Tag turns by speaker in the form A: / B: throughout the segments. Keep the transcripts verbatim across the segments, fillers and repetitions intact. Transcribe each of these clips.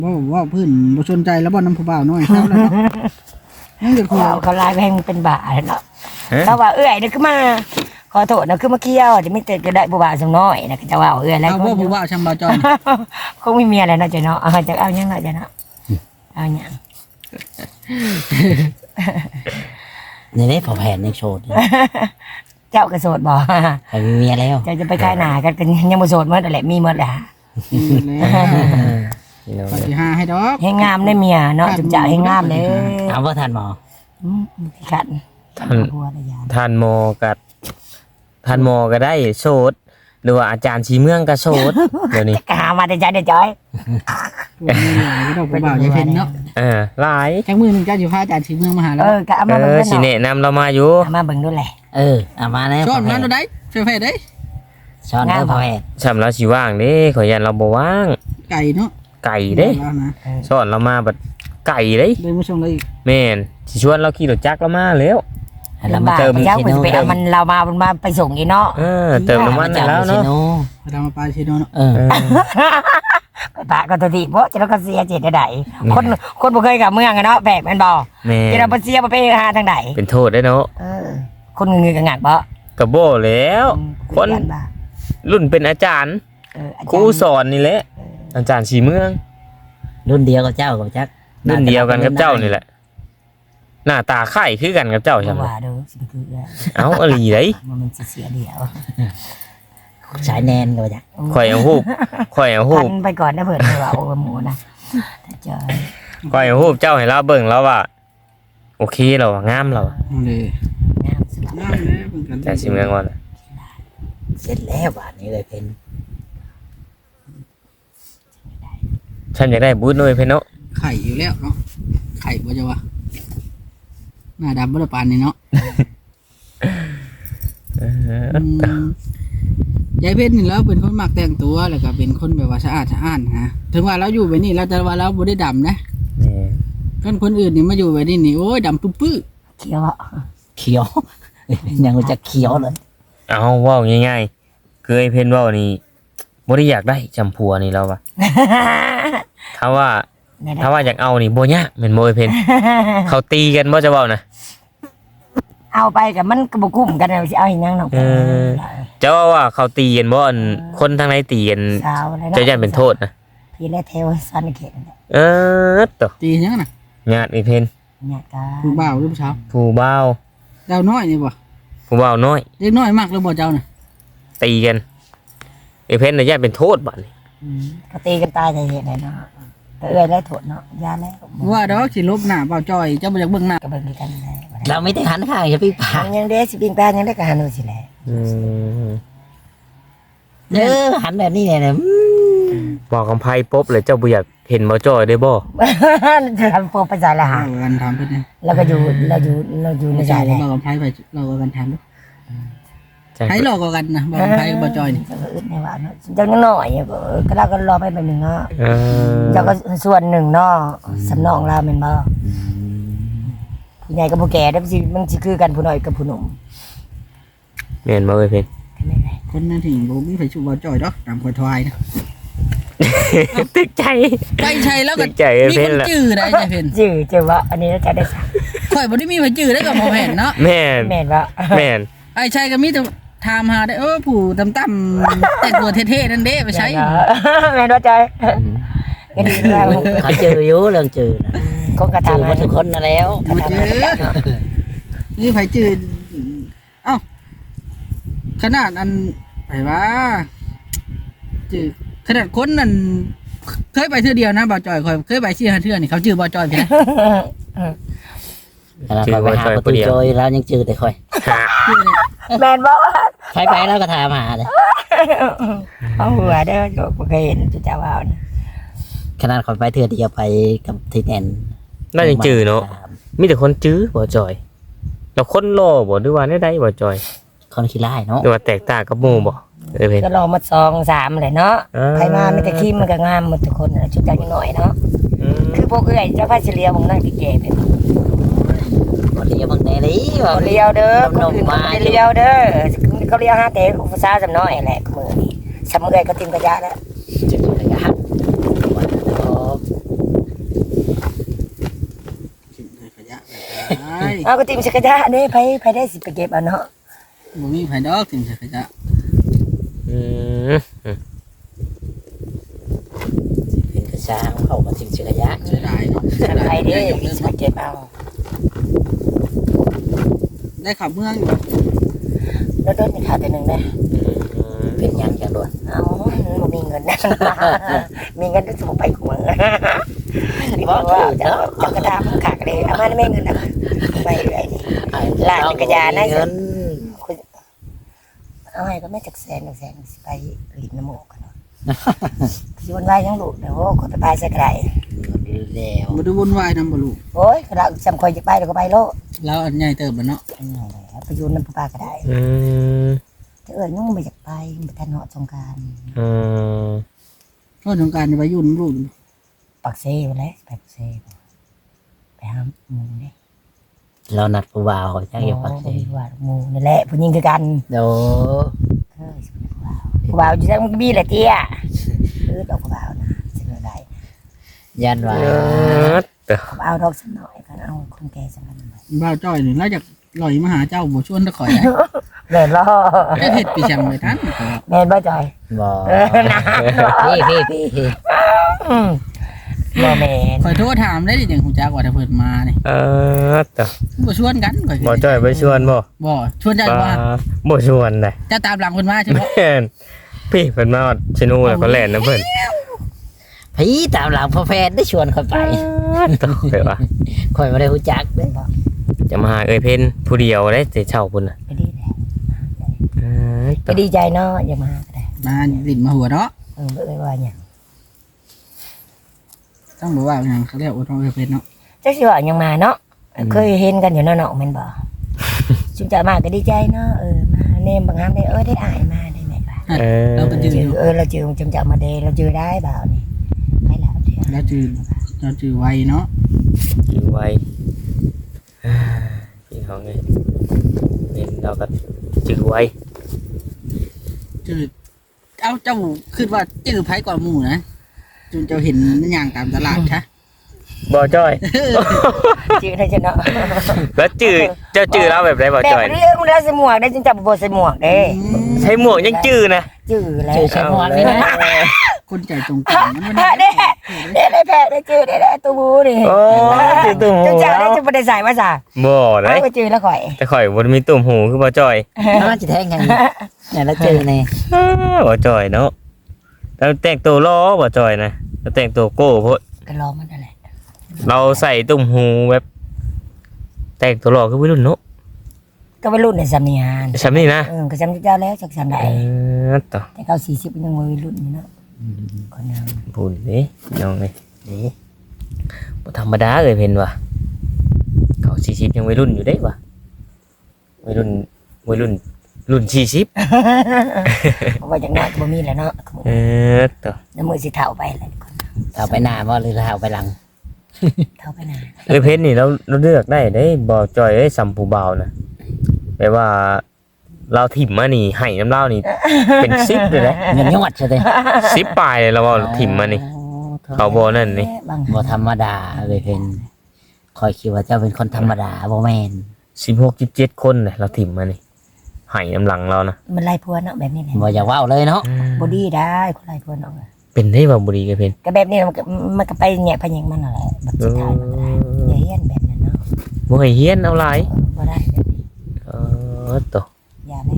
A: ว่าว่าพื้นบ่สนใจแล้วบ่น้ำผู้บ่าวน้อยครับแล้วเนาะนั่นก็คือ
B: เขาเขาลายแพงเป็นบ่าเนาะเขาว่าเอื้อยนี่คือมาขอโทษนะคือมาเกี่ยวจะไม่เกิดก็ได้บ่บ่าวสมน้อยนะจะว่าเอื้อยอะไร
A: เอาว่าผู้บ่าวชำบ่าวจอย
B: คงไม่มีอะไรเนาะจ้ะเนาะเอาจะเอายังเนาะจ้ะเนาะเอาหยัง
C: นี่ได้พอแผนในโชว์
B: เจ้ากระโสดบ่
C: ไปมีเมียแล้ว
B: เจ้าจะไปขายหน้ากันกันยังบ่โสดหมดนั่นแหละมีหมดแหละ
A: แล้วปฏิหาให้ดอก
B: ให้งามได้เมียเนาะจุ๊บจ๋าให้งามเลย
C: เอาว่าทันหมอ
B: อืมที่ขัน
D: ท่านท่านโมกัดท่านโมก็ได้โสดหรือว่าอาจารย์ชีเมืองก็โสดเดี๋ยวนี้
B: จะหามาได้ใจได้จอย
A: ดอกผู้บ่าวใจเพิ่นเนาะ
D: เออหลาย
A: จักมื้อนึงเจ้าสิพาอาจารย์สีเมืองมาหาแล้ว
B: เออก็เอา
D: เอ
B: มาเบิ่ง
D: อ
B: ด้วย
D: สิ
B: เนาะ
D: แนะนำเรามาอยู่
B: เอามาเบิ่งด้วยแหละ
C: เออเอามาแล้ว
A: ช้อน
C: พอแผ
A: มาน ตัวใดเฟเฟได้
C: ช้อนเด้อพอแผน
D: สำหรับสิว่างเด้ขอยันเราบ่ว่าง
A: ไก่เนาะ
D: ไก่เด้
A: แล้วนะ
D: สอนเรามาบัดไก่เด้
A: เลยมาส่งเลย
D: แม่นสิชวนเราขี่รถจักรเรามาแล้ว
C: เรา
B: ลำ
C: มา
B: บาก
D: เติม
B: ไปเจ้าเพิ่นสิไปเอามันเรามามันมาไปส่งอีเนาะ
D: เออเติมน้ำมันให้แล้วเนาะ
A: มาทำมาปลาชิโนเนาะ
C: เออ
D: เออ
B: ไปปะก็ตัวทีเพราะจะเราก็เสียเจตได้คนคนบ่เคยกับเมืองอะเนาะแบกแม่นบ่
D: แม่
B: จะเราบ่เสียบ่ไปหาทางใด
D: เป็นโทษได้เนาะ
B: เออคนเงยๆกังักบ่
D: กระโบแล้ว คน รุ่นเป็นอาจารย์
B: เอออาจารย์
D: ครูสอนนี่แหละอาจารย์ชีเมือง
C: รุ่นเดียวกับเจ้ากับจัก
D: รุ่นเดียวกันกับเจ้านี่แหละหน้าตาไข่คือกันกับเจ้าใช่ไหม
B: ว่าเด้อสิไปคือเอ้ย
D: เอาอลีได
B: มันมันสิเสียเดียว
C: สายแนนกับจัก
D: ข่อยเอาฮูบข่อยเอาฮู
B: พั
D: บ
B: นไปก่อนนะเพิ่นว่าโอ้หมูนะถ้าเจอ
D: ข่อยเอาฮูบเจ้าให้เราเบิ่งแล้วว่า โอเคเราอะงามเราอะ
A: เลย
B: งามสุด
A: น้ำเลยเพิ่นกัน
D: อาจารย์ชีเมืองว่าน่ะ
C: เสร็จแล้วบาทนี้เลยเป็น
D: ฉันอยากได้บูธหน่อยเพิ่นเนาะ
A: ไข่อยู่แล้วเนาะไข่บ่จะว่าหน้าดำบ่ได้ปานนี่เนาะ
D: เออ
A: อืมยายเพชรนี่แล้วเป็นคนมักแต่งตัวแล้วก็เป็นคนแบบว่าสะอาดสะอ้านฮะถึงว่าเราอยู่แบบนี้เราจะว่าเราบ่ได้ดำนะ
D: นี่
A: คนคนอื่นนี่มาอยู่แบบนี้นี่โอ้ยดำปื้อ
B: เขียวอ่ะ
C: เขียว ยังจะเขียวเลย
D: เอาเว้าง่ายๆคือไอ้เพิ่นเว้านี่บ่ได้อยากได้จำพัวนี่แล้วว่ะถ้าว่า ถ้าว่าอยากเอานี่บ่ยากแม่นบ่ไอ้เพิ่นเขาตีกันบ่จะเว้านะ
B: เอาไปกับมันก็บ่คุ้มกันเอาสิเอาอีหยังเนาะ
D: เออ เจ้าว่าว่าเขาตีกันบ่อันคนทางไหนตีกัน
B: สาวอะไร
D: เจ้าย่านเป็นโทษนะ
B: พี่และเทวซันเขตนั่นแหละ
D: เออตว
A: ๆตีหยังน่ะ
D: ญาติไอ้เพิ่น
B: เนี่ยก็
A: ผู้บ่าวหรือผู้สาว
D: ผู้บ่าว
A: เจ้าน้อยนี่บ่
D: ผู้บ่าวน้อย
A: เด็กน้อยมากแล้วบ่เจ้าน่ะ
D: ตีกันไอ้เพิ่นน่ะญาติเป็นโทษบัดนี้
B: อืมก็ตีกันตายใจเหตุไหนเนาะแต่เอ้ยแล้วโทษเนาะยาแล้ว
A: ว่าดอกสิลบหน้าเบาจอยเจ้าบ่อยากเบิ่งหน้า
B: ก็เบิ่งด้วยกันได้
C: เราไม่ได้หันข้างอย่าพี่ปาก
B: ยังเด้สิปิงแป้งยังได้ก็หันดูสิแหละ
D: อืม
C: เออหันแบบนี้เนี่ยนะ
D: บอกกำไพปุ๊บเลยเจ้าบ่อยากเห็นบ่จ้อยได้บ่
B: จะทำโปรไปจ่ายละหา
A: เรากันถามเพิ่นนี่
B: แล้วก็อยู่เราอยู่เราอยู่ใน
A: บ่
B: ใจ
A: จ่าย
B: เลย
A: เรากันไผไปเรากันถามดู
D: จ้ะ
A: ไผหลอกกว่ากันนะบ่ไผบ่จอยนี่
B: จะอึดในว่าเนาะเจ้ายังน้อยอยู่ก็เออก็เราก็รอไปแบบหนึงเนาะ
D: เออ
B: เจ้าก็ส่วนหนึ่งเนาะสำนองเราแม่นบ่ผู้ใหญ่กับผู้แก่เด้อสิมันสิคือกันผู้น้อยกับผู้หนุ่ม
D: แม่นบ่เอ้ยเพิ่น
B: ก็ไม่นได้
A: คนนั้นที่บ่มีไผชูเบาจอยดอกตามคอยทวายนะ
D: ตึกใจ
A: ไปใช่แล้วก็
D: ตึกใจเอ้ย
A: มี
D: เพิ่
A: คน น
D: ล่ะ
A: จื้อได้ใจเพิ่น
B: จื้อจื้อว่าอันนี้เราจะได้สัก
A: ข่อยบ่ได้มีไผจื้อได้กับบ่แม่นเนาะ
D: แม่น
B: แม่นว่า
D: แม่น
A: ไอ้ชัยก็มีแต่ถามหาได้เออผู้ต่ำๆแต่งตัวเท่ๆนั่นเด้ไปใช้
B: แม่นว่าใจก็ดีแล้ว
C: เขาเจออยู่เรื่องเจอนะ
B: คงกระ
C: เจอ
B: ทำ
C: มาทุกคนนะแล้ว
A: บ่จื้อนี่ไผจื้อเอ้าขนาดอันไผว่าจื้อขนาดคนนั่นเคยไปเทื่อเดียวนะบ่าวจอยข่อยเคยไปสี่ห้าเทื่อนี่เขาจื้อบ่าวจอยเพิ่นนะ
C: เราไปหาประตูโจยแล้วยังเจอแต่คอย
A: จื้อนี่
B: แม่นบอกว่า
C: ใครไปแล้วก็ถามหาเลย
B: เอาหัวเด้อโยกบ่เคยเห็นจุจ้าว่าวนะ
C: ขนาดคอยไปเถื่อเดียวไปกับทีแนน
D: น่าจะจื้อเนาะมีแต่คนจื้อบ่จ้อยแล้วคนรอบ่หรือว่าได้ได้บ่จ้อย
C: คนขี้ไล่เนาะ
D: หรือว่าแตกต่างกับหมู่บ่เอ้ยเพิ่น
B: ก็ลองมาสองสามเลยเนาะ
D: อ่า
B: ใครมามีแต่ขี้มันก็งามหมดทุกคนน่ะจุจ้ายังน้อยเนาะ
D: อืม
B: คือพวกเอ้ยเจ้าพาเฉลียวของนั่งที่แก่เป็น
C: คนเดียวบางแน่เลยว่า
B: เขาเลี้ยวเด้อคนอื่นเขาไม่ได้เลี้ยวเด้อเขาเลี้ยวหาแต่ผู้สาวจำน้อยแหละมือนี่สำเอ้ยก็ติมกระยะแล้ว
C: เจอเลยครับ
B: เอาก็ติมจักรยานเด้ไผไผได้สิไปเก็บเอาเนาะ
A: บ่มีไผดอกถึงจะขยะ
D: อืม
C: เป็นกระช้างเข้ามาทิมจักรยาน
A: เสียดายเนาะเสียดา
B: ไผ
A: ย
B: เด้
A: ได้ยก
B: สิ
A: เลิก
B: ไปเก็บเอา
A: ได้ขับเมืองอยู่
B: แล้วโดนนี่ขาดแต่หนึงเด้
C: เป็นหยังจังโดน
B: เอาบ่มีเงินนะมีเงินก็สิบ่ไปกูมึงนี่บ่ว่าจะจักรดามันขาดเลยเอามาได้แม่เงินน่ะไปเรื่อยนี่ ลากจักรยานนะ
C: เงิน
B: เอาให้ก็แม่จักแสนจักแสนสิไปลิ้นน้ำหมูกกันเนาะสิวันวายยังลูกเดี๋ยวคนไปตายใส่กระได
C: แล้ว
A: บ่ได้วุ่นวายนำบ่ลูก
B: โอ้ยกระดาษจำคอยจะไปเดี๋ยวก็ไปโลด
A: แล้วอันใหญ่เติบบ่เนาะ
B: อันนี้แหละไปอยูนน้ำปลาก็ได้
D: อืม
B: จะเอิญยุ่งไปจากไปไปแทนเหาะสงกราร
D: อืม
A: เพราะสงกรานต์นี่ไปอยู่นำลูก
B: ปักเซ่ไปแล้วไปปักเซ่ไปหาหมูนี่
C: เรานัดผู้บ่าวจังอยู่ปักเส
B: โอ้ว่าหมูนี่แหละผู้หญิงคือกัน
C: โด
B: เฮ้ยผู้บ่าวผู้บ่าวจะต้องมีแหละเตี้ยคือดอกผู้บ่าวนะสิเหลือได้
C: ยันว่า
D: เออเด้อ
B: ผู้บ่าวดอกสักหน่อยกันเอาคนแก่สักหน่อย
A: บ่าวจ้อยนี่แล้วจากลอยมาหาเจ้าบ่ชวนตะข่อยได้
B: เล่นล่อ
A: ได้เฮ็ดปีจังไปทันก็
B: แม่นบ่จอย
C: บ่
B: เออนะ
C: พี่พี่พี่พี่
B: อืมบ่แม่น
A: ข่อยโทรถามได้ดิจังฮู้จักว่าถ้าเพิ่นมานี่
D: เออเด้อ
A: บ่ชวนกันข่อย
D: บ่จ้อยไปชวนบ่
A: บ่ชวนได้
D: บ่
A: ว่า
D: บ่ชวนได้
A: จะตามหลังเพิ่นมาใช่บ่
D: แม่นพี่เพิ่นมาฮอดชินูแล้วก็แล่นนะเพิ่น
C: พี่ตามหลังพ่อแฟนได้ชวนเขาไป
D: ตกเลยว่า
C: ข่อยบ่ได้รู้จักเด้อ
D: จะมาหาเอ้ยเพิ่นผู้เดียวได้แต่เช่าพุ่นน่ะ
B: ไปดีแหละ
D: เออ
B: ไปดีใจเนาะอย่ามาก็ได้
A: มาลิ้นมาหัวเนาะ
B: เออบ่เอ้ยว่าหยัง
A: ต้องบอกว่าหยังเขาเรียกว่าต้องเพิ่นเนาะ
B: จักสิว่าหยังมาเนาะเคยเห็นกันอยู่เนาะเนาะแม่นบ่จุมจะมาก็ดีใจเนาะเออมาเนมบางครั้งได้เออได้อายมาได้แม่ว่า
D: เออ
A: เราก็จื
B: จื
A: อ
B: อเออเราจือจุมจะมาเดเราจือได้บ่าวนี่ไปแล้วเดี๋ยว
A: แล้วจือเราจือไวเนาะ
D: อยู่ไว้อ่าพี่น้องเอ้ยเน้นเราก็จื้อไว้
A: จือเอาเจ้าคิดว่าจือไผก่อนหมู่นะจนเจ้าเห็นย่างตามตลาดค่ะ
D: บ่จ้อย
B: จือได้จ้ะเนาะ
D: แล้วจื้อเจ้าจื้อเราแบบไรบ่
B: แบบ
D: จ้อย
B: เรื่องมันแล้วใส่หมวกได้จุมจะบ่ใส่หมวกเด้
D: ใช้หมวกยังจื้อนะ
B: จือแล้ว
C: ชื่อใช้หมวกนี่นะ
A: คนใจตรงกันมัน
B: แพ้
A: มัน
B: เด้เด้ได้แพ้ได้จือได้ได้ตัวบูนี่
D: โอ้จื้อตุ่มหู
B: จุมจะได้จุมบ่ได้ใส่มาซะ
D: บ่ได้
B: เอาไปจือแล้วข่อย
D: แต่ข่อยบ่ได้มีตุ่มหูคือบ่จ้อย
C: น่าจะแทงกันเนี่ยแล้วเจอใน
D: อ้าบ่จ้อยเนาะแล้วแต่งตัวล้อบ่จ้อยนะแล้วแต่งตัวโก้โพด
B: ก็รอมันนั่นแหละ
D: เราใส่ตุ่มหูแบบแต่งตัวล้อคือวัยรุ่นเนาะ
B: ก็ไปรุ่นในสำเนียง
D: ใช่นี่นะ
B: เออก็จำเจ้าแล้วจากสำใด
D: เออต่อ
B: แต่เขาสี่สิบยังวัยรุ่นอยู่เนาะคนนึง
D: บุญนี่น้องนี่นี่บ่ธรรมดาเลยเพิ่นว่ะเขาสี่สิบยังวัยรุ่นอยู่เด้ว่ะวัยรุ่นวัยรุ่นรุ่นสี่สิบ
B: เพราะว่าอย่างน้อยก็บ่มีแล้วเนาะ
D: เออต่อ
B: น้ำมือสิเท่าไปเลย
C: เท้าไปหน้าบ่หรือเท้าไปหลัง
B: เท่าไปนาน
D: เอ้ยเพิ่นนี่เราเราเลือกได้เด้บ่จ่อยเอ้ยสัมผู้บ่าวนะแปลว่า เราถิ่มมานี่ให้น้ำเล่านี่ เป็นสิบเลยนะ
C: เงินยอดใช่ไหม
D: สิบปลายเลยเราเอาถิ่มมานี่ เขาบ่นั่นนี่
B: บาง
C: บ่ธรรมดาเลยเพิ่นคอยคิดว่าเจ้าเป็นคนธรรมดาบ่แม่น
D: สิบหกสิบเจ็ดคนเลยเราถิ่มมานี่ให้น้ำหลังเรานะ
B: มันไล่พวนเนาะแบบนี้แหละ
C: บ่อยากเว้าเลยเนาะ
B: บอดี้ได้คนไล่พวนเนาะ
D: เป็นได้บ่บุรีกันเพิ่น
B: ก็แบบนี้มันก็มันก็ไปแหน่พะแยงมันนั่นแหละแบบสุดท้ายมันก็ได้อย่าเฮียนแบบนั้นเนาะ
D: บ่ให้เฮียนเอาหลาย
B: บ่ได้แบบนี้
D: เออต่อ
B: อย่าแล้ว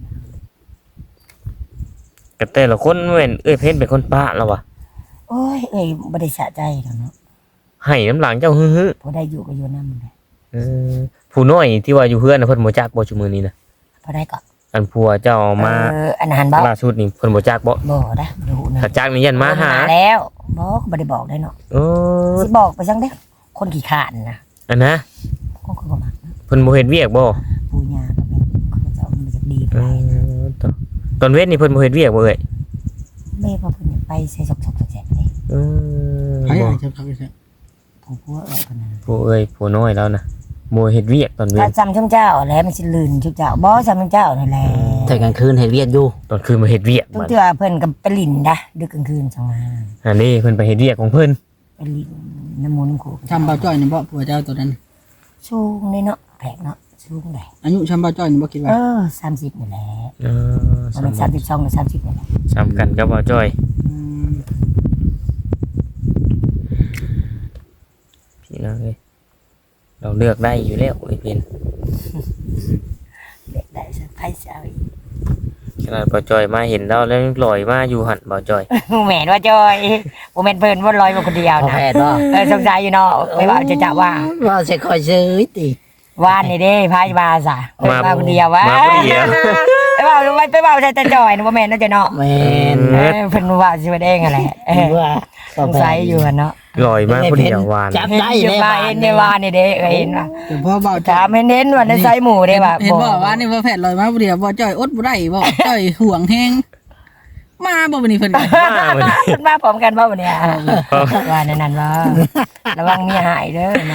D: ก็แต่ละคนเว้นเอ้ยเพิ่นเป็นคนปะแล้ววะ
B: โอ้ยเอ้ยบ่ได้สะใจดอกเนาะ
D: ให้น้ำหลังเจ้าฮึ
B: บ่ได้อยู่ก็อยู่นำเลย
D: ๆเออผู้น้อยที่ว่าอยู่เพื่อนน่ะเพิ่นบ่จักบ่ชุมื้อนี้นะ
B: บ่ได้ก็
D: อันผัวเจ้ามา
B: เอออันนั้นบ่
D: ล่าสุดนี่เพิ่นบ่จักบ่
B: บ่ได้บ่รู้นะ
D: ถ้าจักนี่ยันมาหา
B: แล้วบอกบ่ได้บอกได้เนาะ
D: เออ
B: สิบอกไปจังเด้อคนขี้ขลาดนะ
D: อันนะ
B: ก็คือบ่มักนะ
D: เพิ่นบ่เฮ็ดเวียกบ่
B: ปู่ย่าก็เป็นเขาเจ้ามันจะดี
D: เอ
B: ไปนะ
D: อตอนตอนเว้นนี่เพิ่นบ่เฮ็ดเวียกบ่เอ้ย
B: แม่พอเพิ่นอยากไปใส่ซอกๆแสกๆนี่
D: เออ
A: ไผ
D: บ่
A: อาจจะเขาไปใช่
B: ผู้ผัวเอ้ยเพิ่นน่ะ
D: ผู้เอ้ยผู้น้อยแล้วนะบ่เฮ็ดเวียกตอนเว้
B: ถ้าน จำช่างเจ้าแหล้วมันสิลื่นช่างเจ้าบ่จำช่างเจ้านั่นแหละ
C: แต่กลางคืนเฮ็ดเวียกอยู่
D: ตอนคืนมาเฮ็ดเวียก
B: ทุก
D: บัด
B: เทื่อเพิ่นก็ไปลิ้นดะดึกกลางคืนจังมา
D: อันนี้เพิ่นไปเฮ็ดเวียกของเพิ่น
B: ไปลิ้นน้ำมูน้ำโขก
A: ทำเบาจ้อยนี่บ่ผัวเจ้าตัวนั้น
B: สูงเลยเนาะแผกเนาะสูงได้
A: อายุชำบ่จ้อยนี่บ่คิด
B: เอ
A: ว่า
B: อสามสิบนี่แหละ
D: เออ
B: มันเป็นสามสิบสองหรือสามสิบนี่แหละ
D: สำกันกับบ่จ้อย
A: อืม
D: พี่น้องเอ้ยเราเลือกได้อยู่แล้วไอ้เพิ่น
B: เด็กได้สักไพ่เช้าอีก
D: ขนาดบ่จ้อยมาเห็นเราแล้วยังลอยมาอยู่หั่นบ่จ้อย
B: แม่นว่าจอยบ่แม่นเพิ่นว่าลอยมาคนเดียว
C: พอ
B: นะ
C: แพทย์เนาะ
B: เออสงสัยอยู่เนาะไปว่าจะจะว่า
C: ว่าสิคอยซื้อติ
B: ว่านนี่เด้พายมาซะเพิ่นมาคนเดียววะ
D: มาคนเดียว
B: ไปว่าไปว่าใช่แต่จอยนะบ่แม่นนะจ้ะเนาะ
C: แม่น
B: เออเพิ่นว่าสิว่าเด้งอะไรเออ
C: ว่า
B: สงสัยอยู่อะเนาะ
D: ลอยมาคนเดียววาน
C: จับได้
B: เห็น
C: เลย
B: ว่าเห็นในว่านี่เด้เออเห็นว่า
A: แต่พ่อบ่จ้อ
B: ถาย มให้เน้นว่าในไซหมู่เด้ว่า
A: เห็นบ่ว่านี่ว่าแพทย์ลอยมาผู้เดียวบ่จ้อยอดบ่ได้บ่จ้อยห่วงแฮงมาบ่บัดนี้เพิ่นก็
D: มาวันนี้
B: เพิ่นมาพร้อมกันบ่บัดเนี่ยว่าในนั้นว่าระวังเมียหายเด้อนะ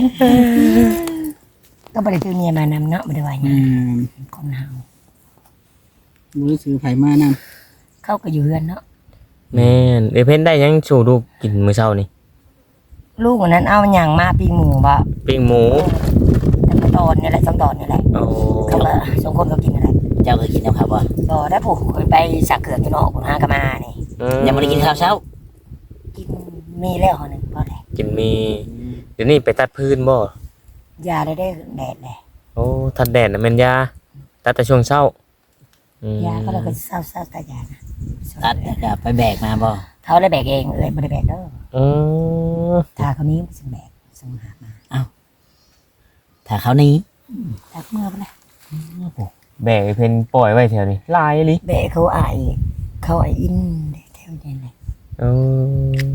B: ก็บ่ได้ซื้อเมียมานำเนาะบ่ได้ว่าหยั
A: อื
B: ง
A: ม
B: คนเฮา
A: บ่ได้ซื้อไผมานำ
B: เขาก็อยู่เฮือนเนาะ
D: แม่นเอ้ยเพิ่นได้ยังสู่ลูกกินมื้อเช้านี่
B: ลูกคนนั้นเอาหยังมาปิ้งหมูบ่
D: ปิ้งหมู
B: แต่ก็ตอนนี่แหละสองตอนนี่แหละ
D: โอ้
B: เขาก็สองคนก็กินนั่นแหละ
C: เจ้าเคยกินแล้วครับบ่
B: ก็ได้ผูกไปสักเกือกอยู่เนาะผมหากะมานี่
D: อื
C: ยังบ่ได้กินข้าวเช้า
B: กินมีแล้วหอหนึงพอได้
D: กินมีเดี๋ยวนี้ไปตัดพื้นบ่
B: ยาได้ได้แดดเลย
D: โอ้ทัดแดดน่ะแม่นยาตัดแต่ช่วงเช้าอืม
B: ยาก็เลยก็เศร้าเศร้าตายานะ
C: ตัดแล้วก็ไปแบกมาบ่
B: เขาได้แบกเองเลยไม่ได้แบกเด้อ
D: อืม
B: ถ้าเขานี้มันสิแบกสงหามา
C: ถ้าเขานี้
B: ถ้าเมื่อไปเลย
D: แบกไอ้เพิ่นปล่อยไว้แถวนี้ลายอีหลิ
B: แบกเขาอายเขาอายอินแถวนี้เลย
D: เออ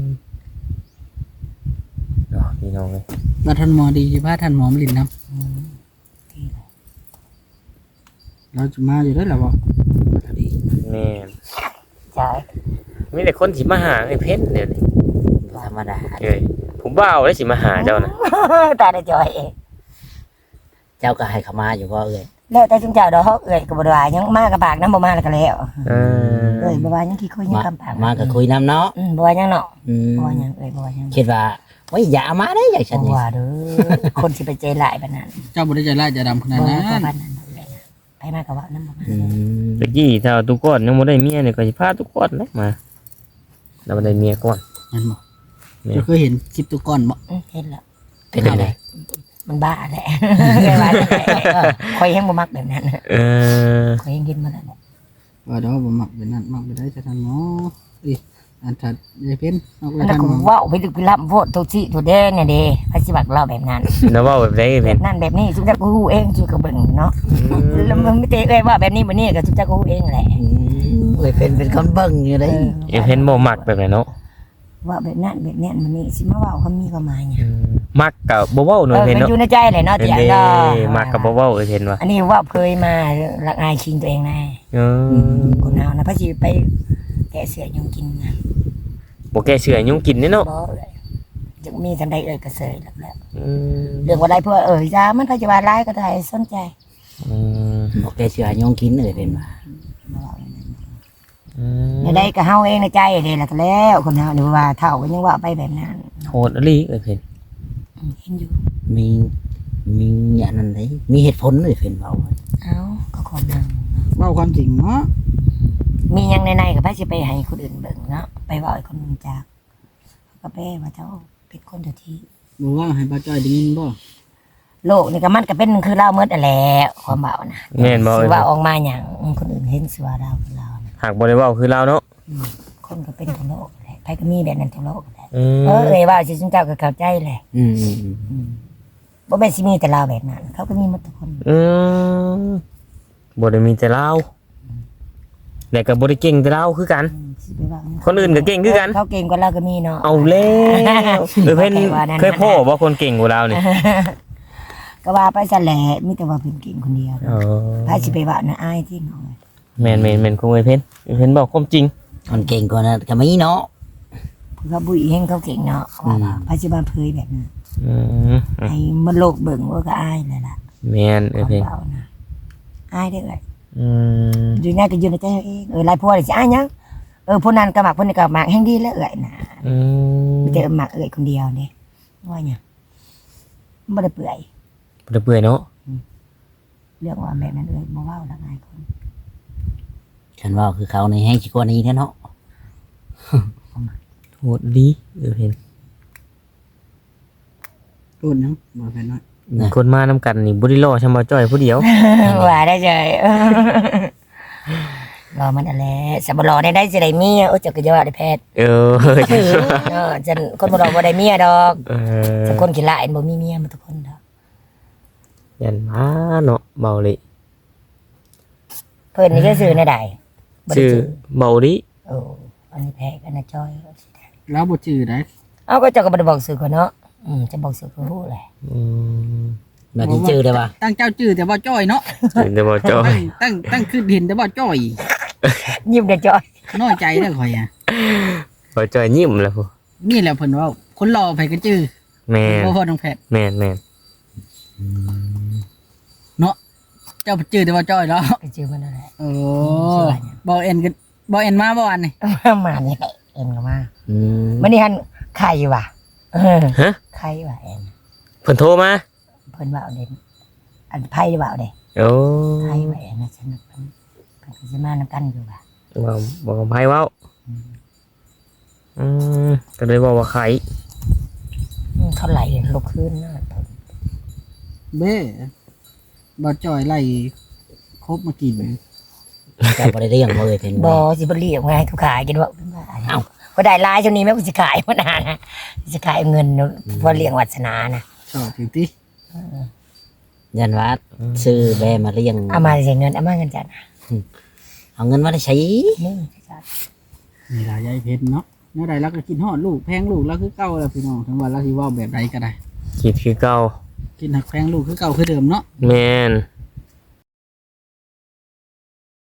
D: เนาะพี่น้องเอ้ย
A: ว่าท่านหมอดีสิพาท่านหมอมาลินนำ
B: อืมที่เลย
A: เราจะมาอยู่แล้วล่ะบ่
D: แม่น
B: ใช่
D: มีแต่คนสิมาหาไอ้เพิ่นเดี๋ยวนี้
C: ธรรมดา
D: เอ้ยผมบ่าวได้สิมาหาเจ้านะ
B: ตาได้จอยเอง
C: เจ้าก็ให้เขามาอยู่บ่เอ้ย
B: แล้วแต่จุงเจ้าดอกเอ้ยก็บ่ได้ว่าหยังมากกับปากน้ำบ่มาแล้วก็แล้ว
D: เออ
B: เอ้ยบ่ว่าหยังขี้คุยหยัง
C: มา
B: กับปาก
C: มาก็คุยนํเนาะ
B: อืมบ่ว่าหยังเนาะ
C: อืม
B: บ่ว่าหยังเอ้ยบ่ว่าหยัง
C: คิดว่าโอ้ยอย่าเอามาได้อย่างฉัน
B: บ่
C: นี่
B: ว่าเด้อคนสิไปใจหลายปานนั้น
A: เจ้าบ่ได้ใจร้ายใจดำขนาด
B: บ่
A: นั้
B: ว่าน ปานนั้นเลยนะไปมาก็ว่าน้ำบ่มา
C: อืม
D: ตะกี้ถ้าทุกคนยังบ่ได้เมียเนี่ยก็สิพาทุกคนนะมาเราบ่ได้เมียก่อน
A: นั่นบ่เจ้าเคยเห็นคลิปตัวก่อนบ่
B: อืมเห็นแล้ว
C: เป็นยังไง
B: มันบ้าแหละไม่ว่าแหละคอยยังบ่มักแบบนั้น
D: เออ
B: คอยยังกินมาแล้วแหละ
A: ว่าเดี๋ยวบ่มักเป็นนั่นมักไปได้จะท่านหมออีอันถัดยายเพ็ญเอาไป
B: อันนั้
A: ท่าน น
B: ก็
A: หมอ
B: เว้าไปลึกไปลับโพดทุกที่ทุกเด้เนี่ยเด้พระสิบักเล่าแบบนั้น
D: แล้วเว้าแบบใดไอ้
B: แบ
D: เพิ่น
B: บนั้นแบบนี้ทุกเจ้าก็ฮู้เองทุกก็เบิ่งเนาะแล้วมันไม่เตะเอ้ยว่าแบบนี้บ่นี่ก็ทุกเจ้าก็ฮู้เองแหละ
C: อืมเอ้ยเป็นเป็นคนเบิ่งอยู่เลย
D: ไอ้เพิ่นบ่มักแบบไหนเนาะ
B: ว่าแบบนั้นแบบนี้มันนี่สิมาเว้าเขามีความหมายหยัง
D: อืมมักก็บ่เว้าห
B: เอ
D: น่อย
B: อ
D: เพิ่น
B: มัน
D: เนาะ
B: อยู่ในใจแหละเนาะ
D: เพิ่น
B: เตียง
D: เด้
B: เนาะ
D: มักก็บ่เว้าไอ้เพิ่นว่า
B: อันนี้ว่าเคยมาละอายชิงตัวเองแน่
D: เออ
B: คนเฮานะพระสิไปแกะเสือยุงกินนะ
D: บ่แก้เชื่อยุ่งกินเด้เนาะ
B: บ่เอ้ยจะมีทันใดเอ่ยกระเสยแล้วแล้ว
D: อืม
B: เรื่องว่าได้เพื่อเอ่ยจ้ามันพยาบาลร้ายก็ได้สนใจ
D: อืม
C: บอกแกเชื่อยงกินเอ้ยเป็นว่า
D: อืม
B: ไม่ได้ก็เฮาเองในใจเด้แล้วก็แล้วคนเฮานี่ว่าเท่าก็ยังว่าไปแบบนั้น
D: โหดอีหลีเอ้ยเพิ่น
B: อืมเห็นอยู่
C: มีมีอันนั้นเลยมีเหตุผลเลยเป็นเบา
B: เอ้าก็คนนึง
A: เว้าความจริงเนาะ
B: มีหยังในๆก็พระสิไปให้คนอื่นเบิ่งเนาะไปเว้าให้คนอื่นจักก็ไปว่าเจ้าเป็นคนเดียวที่
A: บ่ว่าให้ป้าจ้อยได้ยินบ่
B: โลกนี่ก็มันก็เป็นคือเราหมดนั่นแหละความเบานะ
D: แม่นบ่
B: สิ
D: เอ้ย
B: ว่าออกมาหยังคนอื่นเห็นสิว่าเราคือเรานะ
D: หากบ่ได้เว้าคือเราเนาะ
B: คนก็เป็นทั้งโลกแหละใครก็มีแบบนั้นทั้งโลกแหละ
D: อืม
B: เออเอ้ยว่าสิจุนเจ้าก็เข้าใจแหละ
C: อืมอืมอืม
B: บ่แม่นสิมีแต่เราแบบนั้น เขาก็มีหมดทุกคน
D: อืมบ่ได้มีแต่เราแล้วก็บ่ได้เก่งแต่เราคือกัน
B: สิไปว่า
D: คนอื่นก็เก่งคือกัน
B: เขาเก่งกว่าเราก็มีเนาะ
D: เอาแล้วเออเพิ่น
B: ว่านั่น
D: เคยพ่อว่าคนเก่งกว่าเราเนี่ย
B: ก็ว่าไปซะแหละมีแต่ว่าเพิ่นเก่งคนเดียว
D: อ๋อ
B: พาสิไปว่าน่ะอายที่เนาะ
D: แม่นแม่นแม่นคงเอ้ยเพิ่นเอ้ยเพิ่นบอกความจริง
C: คนเก่งกว่านั้นก็มีเนาะ
B: เพิ่นก็บุยเฮงเขาเก่งเนาะว่าว่าพาสิมาเผยแบบนั้น
D: อืม
B: ให้มันโลกเบิ่งว่าก็อายเลยล่ะ
D: แม่นเอ้ยเพิ่น
B: เบานะอายเด้อเอ้ย
D: อืม
B: อยู่ในก็อยู่ในใจเองเออหลายพวกเลยสิอายหยังเออผู้นั้นก็มักผู้นี้ก็มักแฮงดีแล้วเอ้ยน่ะ
D: อืม
B: มีแต่มักเอ้ยคนเดียวนี่ว่าหยังบ่ได้เปื่อย
D: บ่ได้เปื่อยเนาะ
B: อเรื่องว่าแบบนั้นเอ้ยบ่เว้าละง่ายคน
C: ฉันว่าคือเขาในแห้งชิกว่านี้แท้เนาะ
D: โหดดีเออเห็น
A: พูดนังบ่แพ้น้อย
D: คนมานำกันนี่บ่ได้รอชำบ่จ้อยผู้เดียว
B: ว่าได้ใจรอมันอะไรสบรอได้ได้สิได้เมียโอ้เจักรยานได้แพทย์
D: เออ
B: เออจันคนบ่รอบ่ได้เมียดอก
D: เออ
B: จักคนขี้ละเอ็นบ่มีเมียมาทุกคนดอก
D: ยันมาเนาะเบาเลย
B: เพิ่นนี่ก็ซื้อในใดบ่ได้
D: ชื่อ
B: ซื้อ
D: เบาดิ
B: โอ้อันนี้แพ้กันนะจอยเอาสิได้
A: แล้วบ่จื้อได้
B: เอาก็เจ้าก็บ่ได้บอกซื้อคนเนาะอืมจะบอกซื้อก็รู้แหละ
D: อืม
C: แบบที่จื้อได้ปะ
A: ตั้งเจ้าจื้อแต่ว่าจ้อยเนาะ
D: เห็นแต่บ่จ้อย
A: ตั้งตั้งตั้งคือเห็นแต่ว่าจ้อย
B: ยิ้มเด้อจอย
A: น้อยใจเด้อข่อยอ่ะ
D: บ่จ้อยยิ้มแล้วพุ
A: นี่แหละเพิ่นเว่าคนรอไผก็จื้อ
D: แม่น
A: บ่พอน้องแพทย์
D: แม่นแม่น
A: เจ้าจื้อแต่ว่าจ้อยเนาะ
B: ก็ชื่อมันนั่นแหละ
A: โอ้บ่เอ็นก็บ่เอ็นมาบ่อันนี่
B: มานี่แหละเอ็นก็มา
C: อืม
B: มื้อนี้หันไข่ว่ะเออ
D: ฮะ
B: ไข่ว่ะเอ็น
D: เพิ่นโทรมา
B: เพิ่นว่าเอาเด่นอันไพ่ว่าเอาเด้
D: โอ้
B: ไพ่ว่าเอ็นนะฉันเพิ่นเพิ่นก็สิมานำกันอยู่ว่ะ
D: บ่บ่กับไผเว้าอืมก็เลยบอกว่าไข่
B: อืมเขาไหลลุกขึ้นนะเพิ่น
A: เบ้บ่จ้อยไล่ครบมากิน
C: แต่บ่ได้เรื่องบ่เลยเป็น
B: บ่
C: บ่
B: สิบ่เรียกไงเขาขายกันว่าเอ้าบ่ได้หลายช่วงนี้แม่กูสิขายบ่นานนะสิขายเงินพอเลี้ยงวัฒนานะ
A: ชอบถึงติ
C: ยันว่าซื้อแบมาเลี้ยง
B: เอามาสิเงินเอามาเงินจัดนะ
C: เอาเงินมาได้ใช้
B: นี่จัด
A: นี่ล่ะยายเพชรเนาะเมื่อใดเราก็กินฮอดลูกแพงลูกแล้วคือเก่าแล้วพี่น้องถึงว่าเราสิเว้าแบบใดก็ได้
D: คิดคือเก่า
A: กินหักแพงลูกคือเก่าคือเดิมเนาะ
D: แม่น